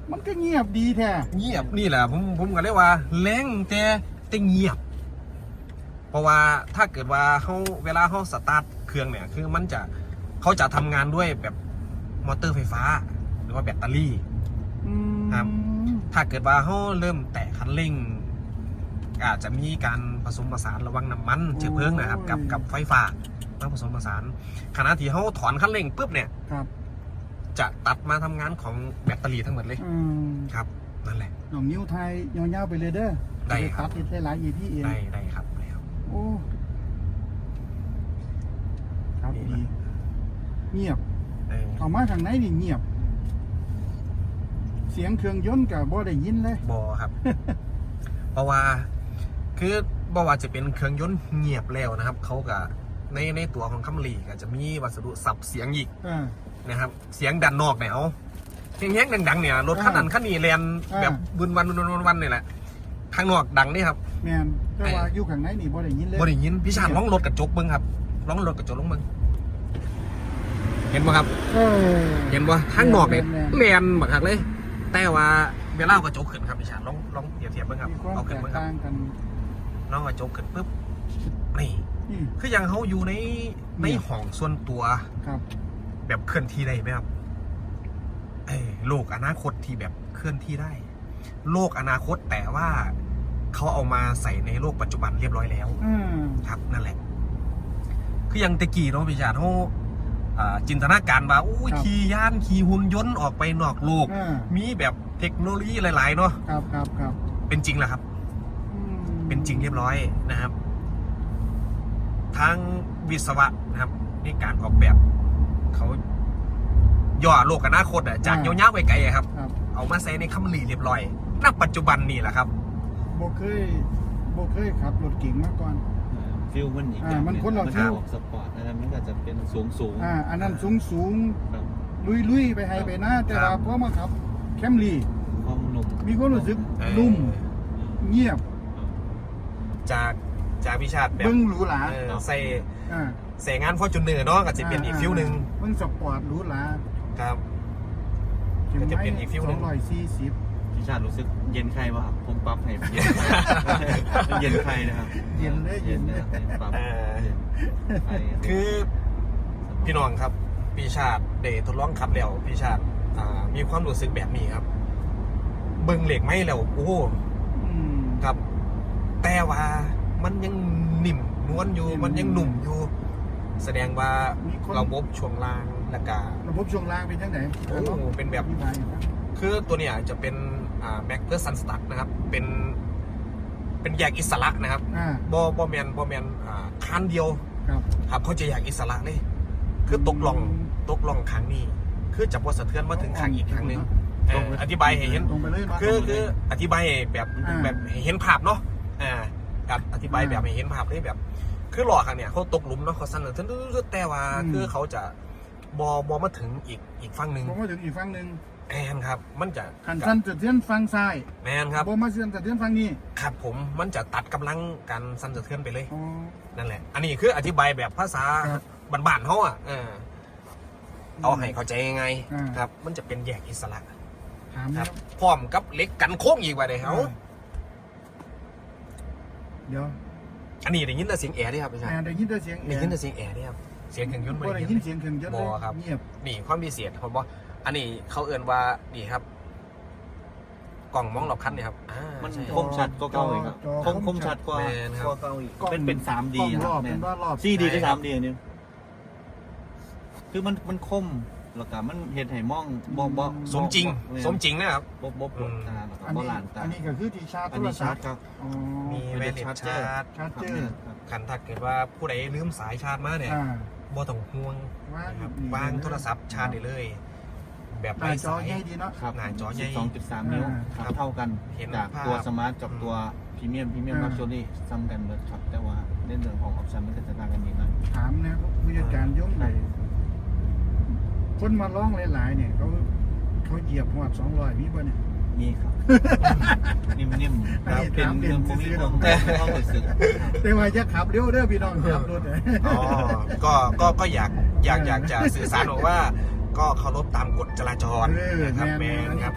มันก็เงียบดีแท้เงียบนี่แหละผมก็เรียกว่าแรงแต่เงียบเพราะว่าถ้าเกิดว่าเวลาเขาสตาร์ทเครื่องเนี่ยคือมันจะเขาจะทำงานด้วยแบบมอเตอร์ไฟฟ้าหรือว่าแบตเตอรี่ครับถ้าเกิดว่าเขาเริ่มแตะคันเร่งอาจจะมีการผสมผสานระหว่างน้ำมันเชื้อเพลิงนะครับกับไฟฟ้ามาผสมผสานขณะที่เขาถอนคันเร่งปุ๊บเนี่ยจะตัดมาทำงานของแบตเตอรี่ทั้งหมดเลยครับนั่นแหละหน่องนิ้วไทยยาวๆไปเลยเด้อได้ครับได้หลายอีพี่เองได้ครับโอ้ครับดีเงียบเอามาทางไหนนี่เงียบเสียงเครื่องยนต์กับบ่ได้ยินเลยบ่ครับ เพราะว่าคือบ่ว่าจะเป็นเครื่องยนต์เงียบแล้วนะครับเขาก็ในตัวของคัมรี่ก็จะมีวัสดุสับเสียงอีกนะครับเสียงดันนอกเนี่ยเอาแห้งๆดังๆเนี่ยรถคันนั้นคันนี้แลนแบบบึนวันนี่แหละข้างนอกดังนี่ครับแมนแต่ว่าอยู่ข้างในนี่บ่ได้ยินเลยบ่ได้ยินพี่ชาญร้องรถกระจกเบิ้งครับร้องรถกระจกลงเบิ้งเห็นป่ะครับเห็นป่ะข้างนอกเนี่ยแลนบักหักเลยแต่ว่าเวลากระจกขึ้นครับพี่ชาญลองเปรียบเทียบเบิ้งครับเอาขึ้นเบิ้งครับน้องกระจกขึ้นปุ๊บนี่คือยังเขาอยู่ในห้องส่วนตัวแบบเคลื่อนที่ได้ไหมครับโลกอนาคตที่แบบเคลื่อนที่ได้โลกอนาคตแต่ว่าเขาเอามาใส่ในโลกปัจจุบันเรียบร้อยแล้วครับนั่นแหละคือยังตะกี้เนาะพี่ชาญเขาจินตนาการว่าอู้ขี่ยานขี่หุ่นยนต์ออกไปนอกโลกมีแบบเทคโนโลยีหลายๆเนาะครับเป็นจริงแล้วครับเป็นจริงเรียบร้อยนะครับทางวิศวะนะครับในการออกแบบเขาย่อโลกอนาคตจากยาวๆไปไกลครับเอามาใส่ในคัมรี่เรียบร้อยณปัจจุบันนี่แหละครับโบเคยขับรถเก๋งมาก่อนฟิลมันอีกมันคนเราฟิลสปอร์ตอันนั้นมันก็จะเป็นสูงอันนั้นสูงลุยไปให้ไปหน้าแต่ว่าพอมาขับแคมรี่ความนุ่มมีความรู้สึกนุ่มเงียบจากวิชาแบบเบิ้งหรูหราใส่งานฟอร์จูเนอร์เนาะก็จะเป็นอีกฟิลหนึ่งเบิ้งสปอร์ตหรูหราครับก็จะเป็นอีกฟิลหนึ่ง 240 พี่ชาติรู้สึกเย็นใครวะครับผมปรับให้เย็นใครนะครับเย็นเลยปรับคือพี่น้องครับพี่ชาติเดททดลองขับแล้วพี่ชาติมีความรู้สึกแบบนี้ครับเบิ้งเหล็กไหมแล้วโอ้ครับแต่ว่ามันยังนิ่มนวลอยู่มันยังหนุ่มอยู่แสดงว่าระบบช่วงล่างและการะบบช่วงล่างเป็นยังไงโอ้เป็นแบบคือตัวเนี้ยจะเป็นแม็กเพื่อซันสตั๊กนะครับเป็นแยกอิสระนะครับบอแมนคันเดียวครับเขาจะแยกอิสระเลยคือตกล่องครั้งนี้คือจับว่าสะเทือนมาถึงครั้งอีกครั้งหนึ่งอธิบายให้เห็นคืออธิบายแบบเห็นภาพเนาะกับอธิบายแบบให้เห็นภาพได้แบบคือหลอกครั้งเนี่ยเขาตกหลุมเนาะเขาสั่นเลยแต่ว่าคือเขาจะบอมาถึงอีกฝั่งหนึ่งมาถึงอีกฝั่งหนึ่งแมนครับมันจะขันสั้นจะเทือนฝั่งซ้ายแมนครับบอมาเทือนจะเทือนฝั่งนี้ครับผมมันจะตัดกำลังการสั้นจะเทือนไปเลยนั่นแหละอันนี้คืออธิบายแบบภาษาบ้านๆเขาเอาให้เข้าใจยังไงครับมันจะเป็นแยกอิสระครับพร้อมกับเหล็กกันโค้งอีกไว้เลยเขาเดี๋ยวอันนี้ได้ยินแต่เสียงแอร์ด้วยครับพี่ชายได้ยินแต่เสียงแอร์ด้วยครับเสียงเครื่องยนต์ได้ยินเสียงเครื่องยนต์บอครับเงียบนี่ความพิเศษผมบอกอันนี้เขาเอื่นว่านี่ครับกล่องมองรอบคันนี่ครับมันคมชัดก็เก่าอีกครับคมชัดกว่าเก่าอีกเป็น 3D ครับ4D ก็ 3D นี่คือมันคมแล้วก็มันเห็นให้มองบ่สมจริงนะครับบ่ปวดตาแล้วก็บ่หลานตาอันนี้ก็คือที่ชาร์จโทรศัพท์ครับมีแวร์เลสชาร์จขันถ้าเกิดว่าผู้ใดลืมสายชาร์จมาเนี่ยบ่ต้องห่วงวางโทรศัพท์ชาร์จได้เลยแบบไร้สายครับหน้าจอใหญ่ 12.3 นิ้วเท่ากันจากตัวสมาร์ทกับตัวพรีเมียมลักชัวรี่ซ้ำกันเลยครับแต่ว่าในเรื่องของออปชั่นมันก็จะต่างกันนิดหน่อยถามนะผู้จัดการยกไหนคนมาร้องหลายๆเนี่ยเขาเหยียบหัว200มีป่ะเนี่ยมีครับนิ่มๆเป็นเรื่องพวกนี้ผมต้องรู้สึกแต่ว่าจะขับเร็วเด้อพี่น้องขับรถก็อยากจะสื่อสารบอกว่าก็เคารพตามกฎจราจรนะครับแม่ครับ